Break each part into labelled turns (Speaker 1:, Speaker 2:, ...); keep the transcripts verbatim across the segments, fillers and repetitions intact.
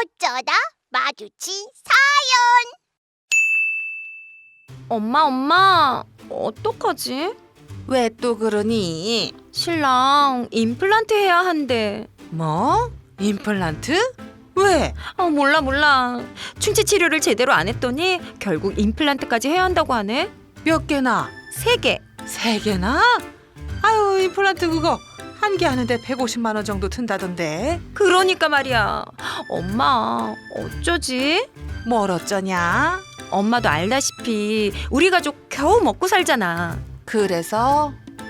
Speaker 1: 어쩌다 마주친
Speaker 2: 엄마 엄마 어떡하지?
Speaker 3: 왜 또 그러니?
Speaker 2: 신랑 임플란트 해야 한대.
Speaker 3: 뭐? 임플란트? 왜?
Speaker 2: 아 몰라 몰라. 충치 치료를 제대로 안 했더니 결국 임플란트까지 해야 한다고 하네.
Speaker 3: 몇 개나?
Speaker 2: 세 개.
Speaker 3: 세 개나? 아유, 임플란트 그거 한 개 하는데 백오십만 원 정도 든다던데.
Speaker 2: 그러니까 말이야. 엄마 어쩌지?
Speaker 3: 뭘 어쩌냐?
Speaker 2: 엄마도 알다시피 우리 가족 겨우 먹고 살잖아.
Speaker 3: 그래서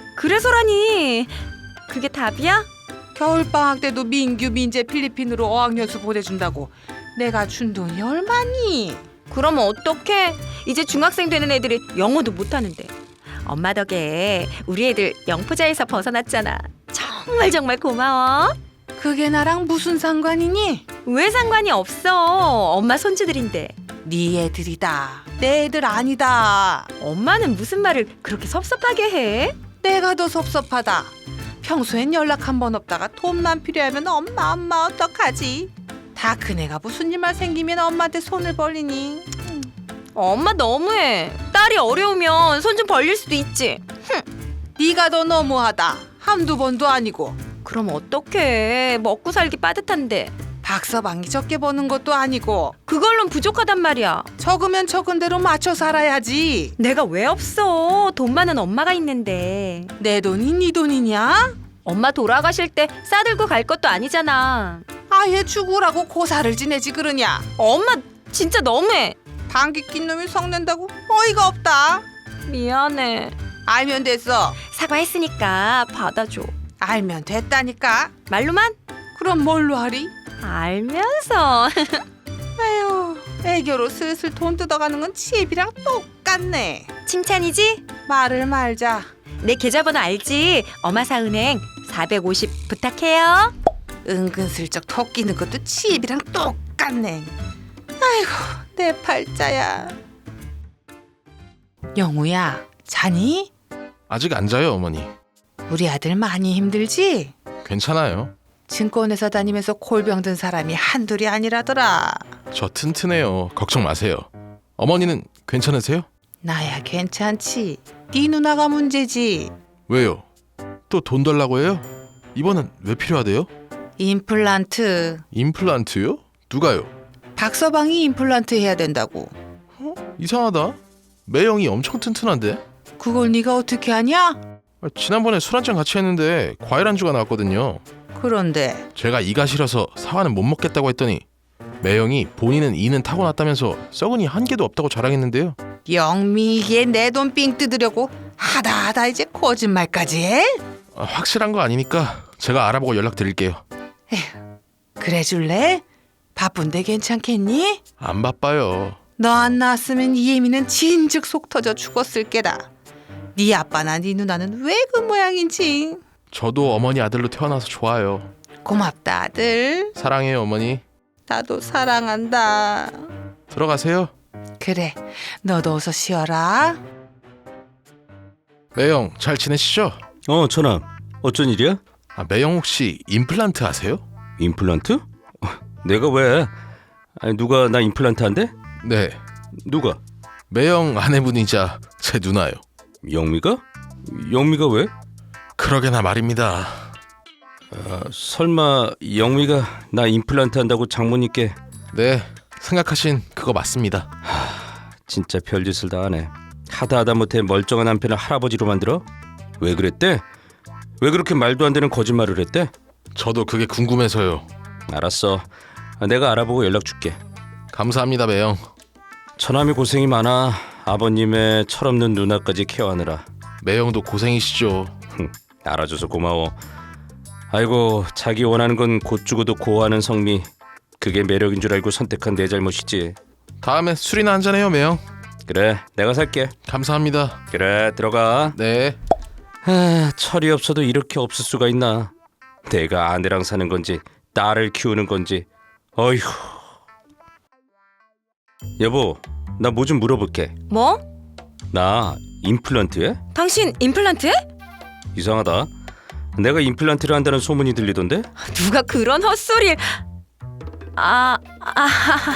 Speaker 2: 그래서라니. 그게 답이야?
Speaker 3: 겨울방학 때도 민규, 민재 필리핀으로 어학연수 보내준다고 내가 준 돈이 얼마니?
Speaker 2: 그럼 어떡해? 이제 중학생 되는 애들이 영어도 못하는데. 엄마 덕에 우리 애들 영포자에서 벗어났잖아. 정말 정말 고마워.
Speaker 3: 그게 나랑 무슨 상관이니?
Speaker 2: 왜 상관이 없어. 엄마 손주들인데.
Speaker 3: 네 애들이다. 내 애들 아니다.
Speaker 2: 엄마는 무슨 말을 그렇게 섭섭하게 해?
Speaker 3: 내가 더 섭섭하다. 평소엔 연락 한 번 없다가 돈만 필요하면 엄마 엄마 어떡하지? 다 큰애가 무슨 일만 생기면 엄마한테 손을 벌리니?
Speaker 2: 엄마 너무해. 딸이 어려우면 손 좀 벌릴 수도 있지.
Speaker 3: 네가 더 너무하다. 한두 번도 아니고.
Speaker 2: 그럼 어떡해. 먹고 살기 빠듯한데.
Speaker 3: 박서방이 적게 버는 것도 아니고.
Speaker 2: 그걸론 부족하단 말이야.
Speaker 3: 적으면 적은 대로 맞춰 살아야지.
Speaker 2: 내가 왜 없어. 돈 많은 엄마가 있는데.
Speaker 3: 내 돈이 네 돈이냐?
Speaker 2: 엄마 돌아가실 때 싸들고 갈 것도 아니잖아.
Speaker 3: 아예 죽으라고 고사를 지내지 그러냐?
Speaker 2: 엄마 진짜 너무해.
Speaker 3: 방귀 낀 놈이 성낸다고? 어이가 없다.
Speaker 2: 미안해.
Speaker 3: 알면 됐어.
Speaker 2: 사과했으니까 받아줘.
Speaker 3: 알면 됐다니까.
Speaker 2: 말로만?
Speaker 3: 그럼 뭘로 하리?
Speaker 2: 알면서.
Speaker 3: 아유, 애교로 슬슬 돈 뜯어가는 건 치입이랑 똑같네.
Speaker 2: 칭찬이지?
Speaker 3: 말을 말자.
Speaker 2: 내 계좌번호 알지? 어마사은행 사백오십 부탁해요.
Speaker 3: 은근슬쩍 턱 끼는 것도 치입이랑 똑같네. 아이고, 내 팔자야. 영우야, 자니?
Speaker 4: 아직 안 자요, 어머니.
Speaker 3: 우리 아들 많이 힘들지?
Speaker 4: 괜찮아요.
Speaker 3: 증권회사 다니면서 골병 든 사람이 한둘이 아니라더라.
Speaker 4: 저 튼튼해요. 걱정 마세요. 어머니는 괜찮으세요?
Speaker 3: 나야 괜찮지. 네 누나가 문제지.
Speaker 4: 왜요? 또 돈 달라고 해요? 이번엔 왜 필요하대요?
Speaker 3: 임플란트.
Speaker 4: 임플란트요? 누가요?
Speaker 3: 박서방이 임플란트 해야 된다고.
Speaker 4: 이상하다. 매형이 엄청 튼튼한데?
Speaker 3: 그걸 네가 어떻게 하냐?
Speaker 4: 아, 지난번에 술 한잔 같이 했는데 과일 안주가 나왔거든요.
Speaker 3: 그런데
Speaker 4: 제가 이가 싫어서 사과는 못 먹겠다고 했더니 매형이 본인은 이는 타고났다면서 썩은이 한 개도 없다고 자랑했는데요.
Speaker 3: 영미이게 내 돈 삥 뜯으려고 하다 하다 이제 거짓말까지 해?
Speaker 4: 아, 확실한 거 아니니까 제가 알아보고 연락드릴게요.
Speaker 3: 그래 줄래? 바쁜데 괜찮겠니?
Speaker 4: 안 바빠요.
Speaker 3: 너 안 나왔으면 이예미는 진즉 속 터져 죽었을 게다. 네 아빠나 네 누나는 왜 그 모양인지.
Speaker 4: 저도 어머니 아들로 태어나서 좋아요.
Speaker 3: 고맙다 아들.
Speaker 4: 사랑해요, 어머니.
Speaker 3: 나도 사랑한다.
Speaker 4: 들어가세요.
Speaker 3: 그래, 너도 어서 쉬어라.
Speaker 4: 매형 잘 지내시죠?
Speaker 5: 어, 전화. 어쩐 일이야?
Speaker 4: 아, 매형 혹시 임플란트 하세요?
Speaker 5: 임플란트? 어, 내가 왜? 아니, 누가 나 임플란트 한대?
Speaker 4: 네.
Speaker 5: 누가?
Speaker 4: 매형 아내분이자 제 누나요.
Speaker 5: 영미가? 영미가 왜?
Speaker 4: 그러게나 말입니다.
Speaker 5: 아, 설마 영미가 나 임플란트 한다고 장모님께?
Speaker 4: 네, 생각하신 그거 맞습니다.
Speaker 5: 진짜 별짓을 다 하네. 하다 하다 못해 멀쩡한 남편을 할아버지로 만들어? 왜 그랬대? 왜 그렇게 말도 안 되는 거짓말을 했대?
Speaker 4: 저도 그게 궁금해서요.
Speaker 5: 알았어. 아, 내가 알아보고 연락 줄게.
Speaker 4: 감사합니다, 매형.
Speaker 5: 처남이 고생이 많아. 아버님의 철없는 누나까지 케어하느라.
Speaker 4: 매형도 고생이시죠.
Speaker 5: 흠, 알아줘서 고마워. 아이고, 자기 원하는 건 곧 죽어도 고하는 성미. 그게 매력인 줄 알고 선택한 내 잘못이지.
Speaker 4: 다음에 술이나 한잔해요, 매형.
Speaker 5: 그래, 내가 살게.
Speaker 4: 감사합니다.
Speaker 5: 그래, 들어가.
Speaker 4: 네.
Speaker 5: 아, 철이 없어도 이렇게 없을 수가 있나. 내가 아내랑 사는 건지 딸을 키우는 건지. 어휴. 여보, 나 뭐 좀 물어볼게.
Speaker 2: 뭐?
Speaker 5: 나 임플란트 해?
Speaker 2: 당신 임플란트 해?
Speaker 5: 이상하다. 내가 임플란트를 한다는 소문이 들리던데?
Speaker 2: 누가 그런 헛소리를. 아, 아,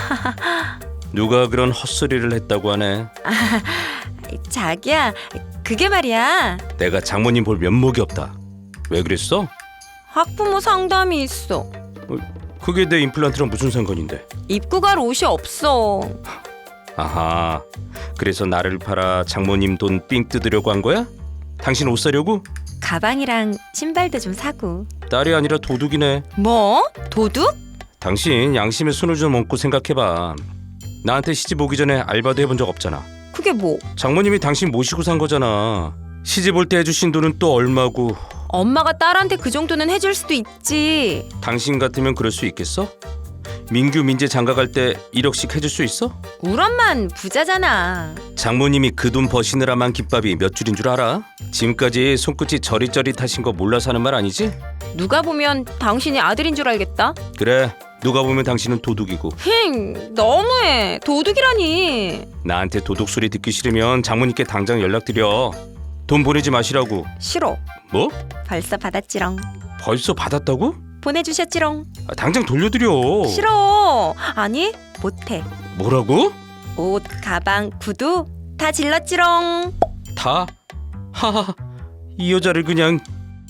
Speaker 5: 누가 그런 헛소리를 했다고 하네.
Speaker 2: 자기야, 그게 말이야.
Speaker 5: 내가 장모님 볼 면목이 없다. 왜 그랬어?
Speaker 2: 학부모 상담이 있어.
Speaker 5: 그게 내 임플란트랑 무슨 상관인데?
Speaker 2: 입고 갈 옷이 없어.
Speaker 5: 아하, 그래서 나를 팔아 장모님 돈 삥 뜯으려고 한 거야? 당신 옷 사려고?
Speaker 2: 가방이랑 신발도 좀 사고.
Speaker 5: 딸이 아니라 도둑이네.
Speaker 2: 뭐? 도둑?
Speaker 5: 당신 양심의 손을 좀 얹고 생각해봐. 나한테 시집 오기 전에 알바도 해본 적 없잖아.
Speaker 2: 그게 뭐?
Speaker 5: 장모님이 당신 모시고 산 거잖아. 시집 올 때 해주신 돈은 또 얼마고.
Speaker 2: 엄마가 딸한테 그 정도는 해줄 수도 있지.
Speaker 5: 당신 같으면 그럴 수 있겠어? 민규 민재 장가 갈 때 일억씩 해줄 수 있어?
Speaker 2: 우리 엄만 부자잖아.
Speaker 5: 장모님이 그 돈 버시느라만 김밥이 몇 줄인 줄 알아? 지금까지 손끝이 저릿저릿하신 거 몰라서 하는 말 아니지?
Speaker 2: 누가 보면 당신이 아들인 줄 알겠다.
Speaker 5: 그래, 누가 보면 당신은 도둑이고.
Speaker 2: 힝, 너무해. 도둑이라니.
Speaker 5: 나한테 도둑 소리 듣기 싫으면 장모님께 당장 연락드려. 돈 보내지 마시라고.
Speaker 2: 싫어.
Speaker 5: 뭐?
Speaker 2: 벌써 받았지롱.
Speaker 5: 벌써 받았다고?
Speaker 2: 보내주셨지롱.
Speaker 5: 아, 당장 돌려드려.
Speaker 2: 싫어. 아니, 못해.
Speaker 5: 뭐라고?
Speaker 2: 옷, 가방, 구두 다 질렀지롱.
Speaker 5: 다? 하하, 이 여자를 그냥.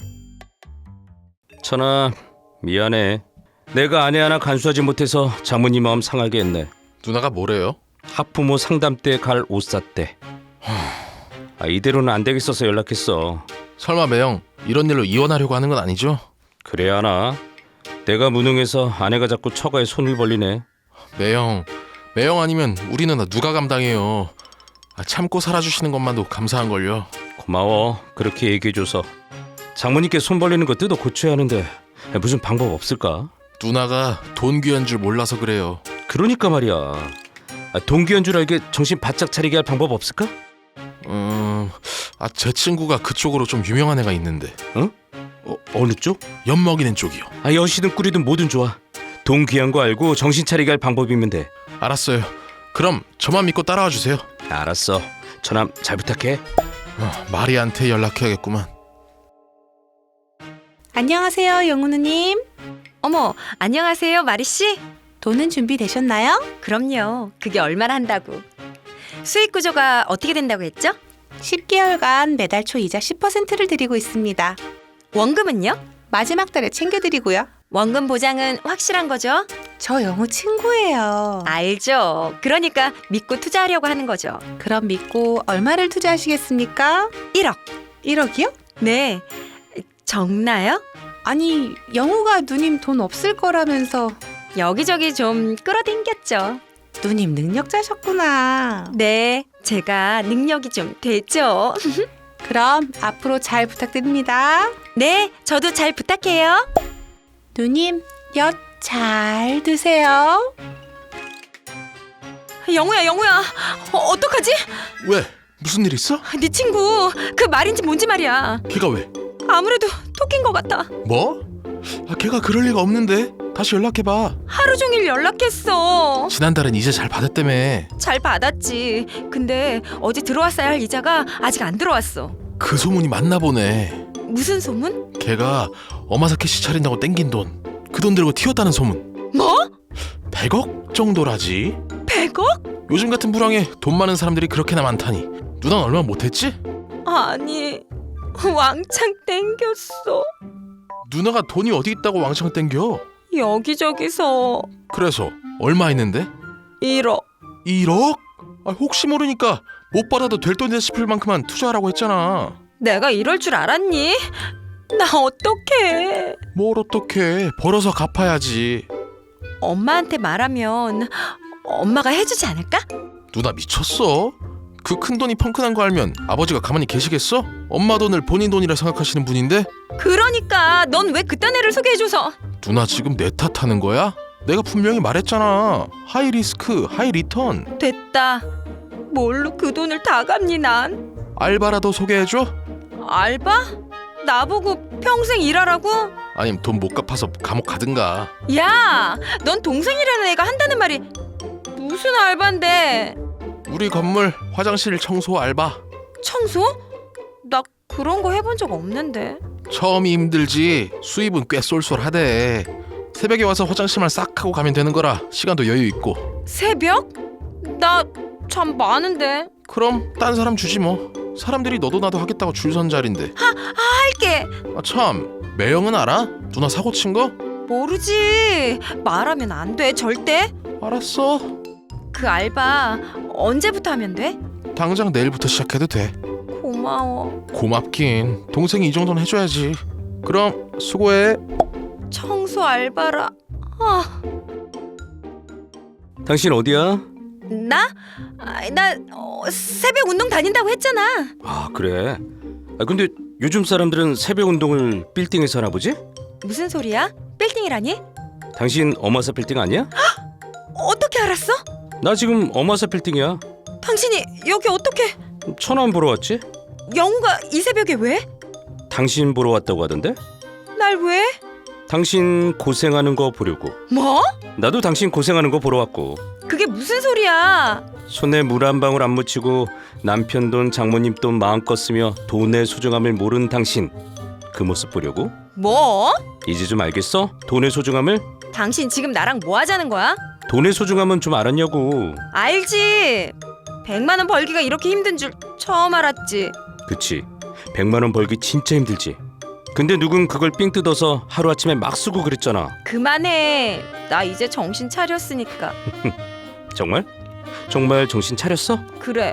Speaker 5: 천아, 미안해. 내가 아내 하나 간수하지 못해서 장모님 마음 상하게 했네.
Speaker 4: 누나가 뭐래요?
Speaker 5: 학부모 상담 때 갈 옷 샀대. 아, 이대로는 안 되겠어서 연락했어.
Speaker 4: 설마 매형 이런 일로 이혼하려고 하는 건 아니죠?
Speaker 5: 그래야 하나? 내가 무능해서 아내가 자꾸 처가에 손을 벌리네.
Speaker 4: 매형, 매형 아니면 우리 누나 누가 감당해요? 아, 참고 살아주시는 것만도 감사한걸요.
Speaker 5: 고마워, 그렇게 얘기해줘서. 장모님께 손 벌리는 거 뜯어 고쳐야 하는데 무슨 방법 없을까?
Speaker 4: 누나가 돈 귀한 줄 몰라서 그래요.
Speaker 5: 그러니까 말이야. 아, 동기한 줄 알게 정신 바짝 차리게 할 방법 없을까?
Speaker 4: 음, 아, 제 친구가 그쪽으로 좀 유명한 애가 있는데.
Speaker 5: 어? 어, 어느 쪽?
Speaker 4: 엿먹이는 쪽이요.
Speaker 5: 아, 여시든 꾸리든 뭐든 좋아. 돈 귀한 거 알고 정신 차리게 할 방법이면 돼.
Speaker 4: 알았어요. 그럼 저만 믿고 따라와 주세요.
Speaker 5: 알았어. 저남 잘 부탁해.
Speaker 4: 어, 마리한테 연락해야겠구만.
Speaker 3: 안녕하세요, 영우 누님.
Speaker 2: 어머, 안녕하세요, 마리 씨.
Speaker 3: 돈은 준비되셨나요?
Speaker 2: 그럼요. 그게 얼마나 한다고. 수익 구조가 어떻게 된다고 했죠?
Speaker 3: 십 개월간 매달 초 이자 십 퍼센트를 드리고 있습니다.
Speaker 2: 원금은요?
Speaker 3: 마지막 달에 챙겨드리고요.
Speaker 2: 원금 보장은 확실한 거죠?
Speaker 3: 저 영우 친구예요.
Speaker 2: 알죠. 그러니까 믿고 투자하려고 하는 거죠.
Speaker 3: 그럼 믿고 얼마를 투자하시겠습니까?
Speaker 2: 일억.
Speaker 3: 일억이요?
Speaker 2: 네. 적나요?
Speaker 3: 아니, 영우가 누님 돈 없을 거라면서.
Speaker 2: 여기저기 좀 끌어당겼죠.
Speaker 3: 누님 능력자셨구나.
Speaker 2: 네, 제가 능력이 좀 되죠.
Speaker 3: 그럼 앞으로 잘 부탁드립니다.
Speaker 2: 네, 저도 잘 부탁해요.
Speaker 3: 누님, 엿 잘 드세요.
Speaker 2: 영우야, 영우야. 어, 어떡하지?
Speaker 4: 왜? 무슨 일 있어?
Speaker 2: 네 친구 그 말인지 뭔지 말이야.
Speaker 4: 걔가 왜?
Speaker 2: 아무래도 토끼인 것 같아.
Speaker 4: 뭐? 아, 걔가 그럴 리가 없는데. 다시 연락해봐.
Speaker 2: 하루 종일 연락했어.
Speaker 4: 지난달엔 이제 잘 받았다며.
Speaker 2: 잘 받았지. 근데 어제 들어왔어야 할 이자가 아직 안 들어왔어.
Speaker 4: 그 소문이 맞나 보네.
Speaker 2: 무슨 소문?
Speaker 4: 걔가 어마사케시 차린다고 땡긴 돈, 그 돈 들고 튀었다는 소문.
Speaker 2: 뭐?
Speaker 4: 백억 정도라지.
Speaker 2: 백억?
Speaker 4: 요즘 같은 불황에 돈 많은 사람들이 그렇게나 많다니. 누나는 얼마 못했지?
Speaker 2: 아니, 왕창 땡겼어.
Speaker 4: 누나가 돈이 어디 있다고 왕창 땡겨?
Speaker 2: 여기저기서.
Speaker 4: 그래서 얼마 있는데?
Speaker 2: 일억.
Speaker 4: 일억? 아, 혹시 모르니까 못 받아도 될 돈이다 싶을 만큼만 투자하라고 했잖아.
Speaker 2: 내가 이럴 줄 알았니? 나 어떡해.
Speaker 4: 뭘 어떡해. 벌어서 갚아야지.
Speaker 2: 엄마한테 말하면 엄마가 해주지 않을까?
Speaker 4: 누나 미쳤어? 그 큰 돈이 펑크난 거 알면 아버지가 가만히 계시겠어? 엄마 돈을 본인 돈이라 생각하시는 분인데?
Speaker 2: 그러니까 넌 왜 그딴 애를 소개해줘서.
Speaker 4: 누나 지금 내 탓하는 거야? 내가 분명히 말했잖아. 하이 리스크, 하이 리턴.
Speaker 2: 됐다. 뭘로 그 돈을 다 갚니 난?
Speaker 4: 알바라도 소개해줘?
Speaker 2: 알바? 나보고 평생 일하라고?
Speaker 4: 아니면 돈 못 갚아서 감옥 가든가.
Speaker 2: 야, 넌 동생이라는 애가 한다는 말이 무슨 알바인데?
Speaker 4: 우리 건물 화장실 청소 알바.
Speaker 2: 청소? 나 그런 거 해본 적 없는데.
Speaker 4: 처음이 힘들지 수입은 꽤 쏠쏠하대. 새벽에 와서 화장실만 싹 하고 가면 되는 거라 시간도 여유 있고.
Speaker 2: 새벽? 나 참 많은데.
Speaker 4: 그럼 딴 사람 주지 뭐. 사람들이 너도 나도 하겠다고 줄 선 자리인데.
Speaker 2: 할게.
Speaker 4: 아 참, 매형은 알아? 누나 사고 친 거?
Speaker 2: 모르지. 말하면 안 돼. 절대.
Speaker 4: 알았어.
Speaker 2: 그 알바 언제부터 하면 돼?
Speaker 4: 당장 내일부터 시작해도 돼.
Speaker 2: 고마워.
Speaker 4: 고맙긴. 동생이 이 정도는 해줘야지. 그럼 수고해.
Speaker 2: 청소 알바라. 아,
Speaker 5: 당신 어디야?
Speaker 2: 나? 아, 나 어, 새벽 운동 다닌다고 했잖아.
Speaker 5: 아 그래. 아 근데 요즘 사람들은 새벽 운동을 빌딩에서 하나 보지?
Speaker 2: 무슨 소리야? 빌딩이라니?
Speaker 5: 당신 어마사 빌딩 아니야?
Speaker 2: 어떻게 알았어?
Speaker 5: 나 지금 어마사 빌딩이야.
Speaker 2: 당신이 여기 어떻게?
Speaker 5: 천안 보러 왔지?
Speaker 2: 영우가 이 새벽에 왜?
Speaker 5: 당신 보러 왔다고 하던데?
Speaker 2: 날 왜?
Speaker 5: 당신 고생하는 거 보려고.
Speaker 2: 뭐?
Speaker 5: 나도 당신 고생하는 거 보러 왔고.
Speaker 2: 그게 무슨 소리야?
Speaker 5: 손에 물 한 방울 안 묻히고 남편 돈 장모님 돈 마음껏 쓰며 돈의 소중함을 모르는 당신, 그 모습 보려고?
Speaker 2: 뭐?
Speaker 5: 이제 좀 알겠어? 돈의 소중함을?
Speaker 2: 당신 지금 나랑 뭐 하자는 거야?
Speaker 5: 돈의 소중함은 좀 알았냐고.
Speaker 2: 알지. 백만 원 벌기가 이렇게 힘든 줄 처음 알았지.
Speaker 5: 그치, 백만 원 벌기 진짜 힘들지. 근데 누군 그걸 삥 뜯어서 하루아침에 막 쓰고 그랬잖아.
Speaker 2: 그만해. 나 이제 정신 차렸으니까.
Speaker 5: 정말? 정말 정신 차렸어?
Speaker 2: 그래.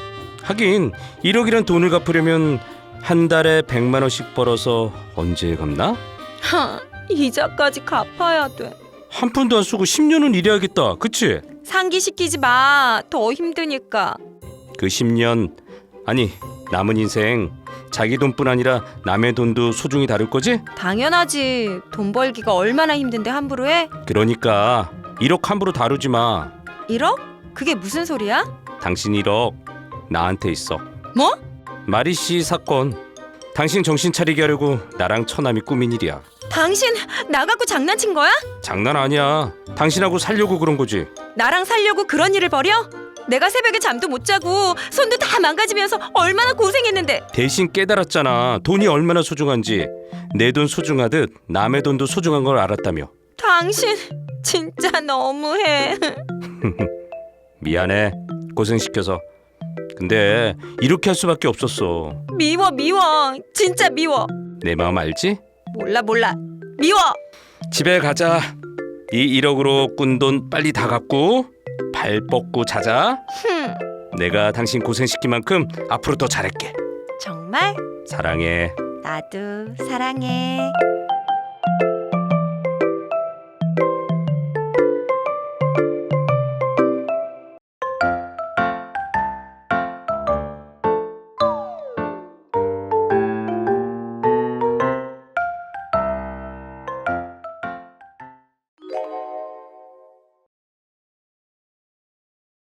Speaker 5: 하긴 일억이란 돈을 갚으려면 한 달에 백만 원씩 벌어서 언제 갚나?
Speaker 2: 하, 이자까지 갚아야 돼.
Speaker 5: 한 푼도 안 쓰고 십 년은 일해야겠다. 그치?
Speaker 2: 상기시키지 마. 더 힘드니까.
Speaker 5: 그 십 년, 아니 남은 인생 자기 돈뿐 아니라 남의 돈도 소중히 다룰 거지?
Speaker 2: 당연하지. 돈 벌기가 얼마나 힘든데 함부로 해?
Speaker 5: 그러니까 일억 함부로 다루지 마.
Speaker 2: 일억? 그게 무슨 소리야?
Speaker 5: 당신 일억 나한테 있어.
Speaker 2: 뭐?
Speaker 5: 마리 씨 사건. 당신 정신 차리게 하려고 나랑 처남이 꾸민 일이야.
Speaker 2: 당신 나 갖고 장난친 거야?
Speaker 5: 장난 아니야. 당신하고 살려고 그런 거지.
Speaker 2: 나랑 살려고 그런 일을 벌여? 내가 새벽에 잠도 못 자고 손도 다 망가지면서 얼마나 고생했는데.
Speaker 5: 대신 깨달았잖아. 돈이 얼마나 소중한지. 내 돈 소중하듯 남의 돈도 소중한 걸 알았다며.
Speaker 2: 당신 진짜 너무해.
Speaker 5: 미안해. 고생시켜서. 근데 이렇게 할 수밖에 없었어.
Speaker 2: 미워 미워. 진짜 미워.
Speaker 5: 내 마음 알지?
Speaker 2: 몰라 몰라. 미워.
Speaker 5: 집에 가자. 이 일억으로 꾼 돈 빨리 다 갚고 발 뻗고 자자.
Speaker 2: 흠.
Speaker 5: 내가 당신 고생시킨 만큼 앞으로 더 잘할게.
Speaker 2: 정말?
Speaker 5: 사랑해.
Speaker 2: 나도 사랑해.